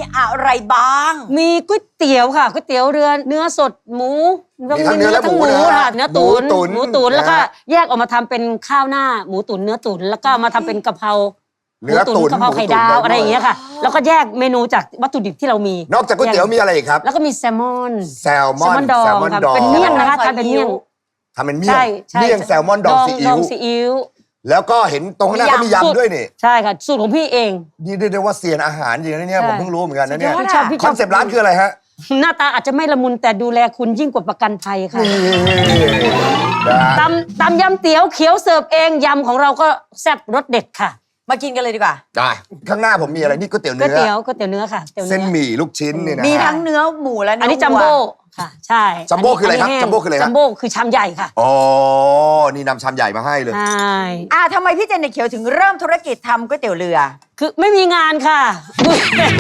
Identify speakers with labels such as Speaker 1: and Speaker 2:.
Speaker 1: อะไรบ้าง
Speaker 2: มีก๋วยเตี๋ยวค่ะก๋วยเตี๋ยวเรือเนื้อสดหมู
Speaker 3: มีทั้งเนื้อและหมูนะ
Speaker 2: ค่ะเนื้อตุ๋น
Speaker 3: หมูตุ๋น
Speaker 2: แล้วก็
Speaker 3: นะฮะ
Speaker 2: แยกออกมาทำเป็นข้าวหน้าหมูตุ๋นเนื้อตุ๋นแล้วก็มาทำเป็นกะเพรา
Speaker 3: เนื้อตุ๋น
Speaker 2: กะเพราไข่ดาวอะไรอย่างเงี้ยค่ะ แล้วก็แยกเมนูจากวัตถุดิบที่เรามี
Speaker 3: นอกจากก๋วยเตี๋ยวมีอะไรอีกครับ
Speaker 2: แล้วก็มีแซลมอน
Speaker 3: แซลมอน
Speaker 2: ดอง
Speaker 3: แซลมอน
Speaker 2: ค่ะ
Speaker 3: ดอง
Speaker 2: เป็นเมี่ยงนะคะทานเป็นเมี่ยง
Speaker 3: ทำเป็นเมี่ย
Speaker 2: ใช่
Speaker 3: ง
Speaker 2: ใช่
Speaker 3: เมี่ยงแซลมอนดองซีอิ๊ว
Speaker 2: ซีอิ๊ว
Speaker 3: แล้วก็เห็นตรงข้างหน้าก็มี
Speaker 2: สูตร
Speaker 3: ยำด้วยนี่
Speaker 2: ใช่ค่ะสูตรของพี่เอง
Speaker 3: นี่เรียกได้ว่าเซียนอาหารจริงนะเนี่ย
Speaker 2: ใช่
Speaker 3: ผมเพิ่งรู้เหมือนกันนะเนี่ย
Speaker 2: พี่ชอบพี่
Speaker 3: ค
Speaker 2: ช
Speaker 3: อ
Speaker 2: อบ
Speaker 3: นเซปต์ร้านคืออะไรฮะ
Speaker 2: หน้าตาอาจจะไม่ละมุนแต่ดูแลคุณยิ่งกว่าประกันภัยค่ะ
Speaker 3: นะฮะ
Speaker 2: ตำยำเตี๋ยวเขียวเสิร์ฟเองยำของเราก็แซ่บรสเด็ดค่ะ
Speaker 1: มากินกันเลยดีกว่า
Speaker 3: ได้ข้างหน้าผมมีอะไรนี่ก๋วยเตี๋ยว
Speaker 2: ก๋วย
Speaker 3: เนื้อ
Speaker 2: เตี๋ยวเนื้อค่ะก๋วยเตี๋ยว
Speaker 3: เส้น
Speaker 2: เนื้อ
Speaker 3: หมี่ลูกชิ้นนี่นะ
Speaker 1: มี
Speaker 3: ฮะ
Speaker 1: ทั้งเนื้อหมูและเนื้
Speaker 2: อั
Speaker 1: อน
Speaker 2: นี้จัมโบ้ค่ะ ใช่
Speaker 3: จัมโบ้คืออะไรครับ
Speaker 2: นนี้แห้ง
Speaker 3: จัมโบ้คืออะไรครับ
Speaker 2: จัมโบ้คือชามใหญ่ค่ะ
Speaker 3: อ๋อนี่นำชามใหญ่มาให้เลย
Speaker 2: ใช่
Speaker 1: ทำไมพี่เจนนี่เขียวถึงเริ่มธุรกิจทำก๋วยเตี๋ยวเรือ
Speaker 2: คือไม่มีงานค่ะ